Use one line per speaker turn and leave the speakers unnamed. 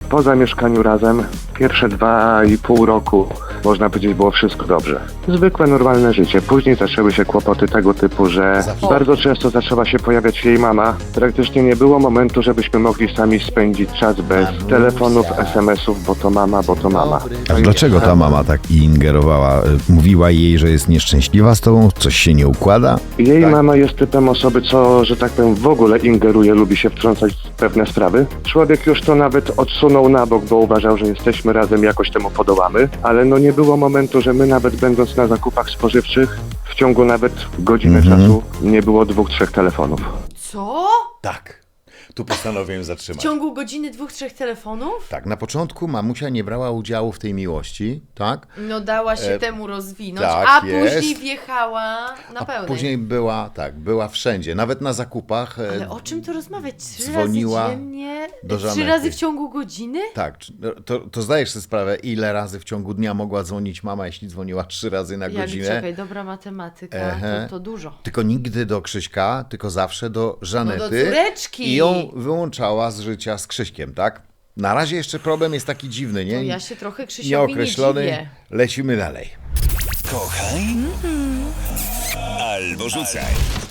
Po zamieszkaniu razem pierwsze 2,5 roku, można powiedzieć, było wszystko dobrze. Zwykłe, normalne życie. Później zaczęły się kłopoty tego typu, że bardzo często zaczęła się pojawiać jej mama. Praktycznie nie było momentu, żebyśmy mogli sami spędzić czas bez telefonów, SMS-ów, bo to mama, bo to mama.
A dlaczego ta mama tak ingerowała? Mówiła jej, że jest nieszczęśliwa z tobą? Coś się nie układa?
Jej mama jest typem osoby, co, że tak powiem, w ogóle ingeruje, lubi się wtrącać w pewne sprawy. Człowiek już to nawet odsunął na bok, bo uważał, że jesteśmy razem, jakoś temu podołamy, ale no nie było momentu, że my nawet będąc na zakupach spożywczych, w ciągu nawet godziny czasu nie było 2-3 telefonów.
Co?
Tak. Tu postanowiłem
W
zatrzymać.
ciągu godziny 2-3 telefonów?
Tak, na początku mamusia nie brała udziału w tej miłości, tak?
No dała się temu rozwinąć,
tak
a
jest.
później wjechała na pełnej.
Później była wszędzie, nawet na zakupach.
Ale o czym tu rozmawiać? 3
dzwoniła
razy dziennie?
do
3
Żanety.
razy w ciągu godziny?
Tak, to zdajesz sobie sprawę, ile razy w ciągu dnia mogła dzwonić mama, jeśli dzwoniła 3 razy na godzinę.
Czekaj, dobra matematyka, to dużo.
Tylko nigdy do Krzyśka, tylko zawsze do Żanety.
No do córeczki.
I ją wyłączała z życia z Krzyśkiem, tak? Na razie jeszcze problem jest taki dziwny, nie?
To ja się trochę Krzysiowi nie
Nieokreślony.
dziwię.
Lecimy dalej.
Kochaj albo rzucaj.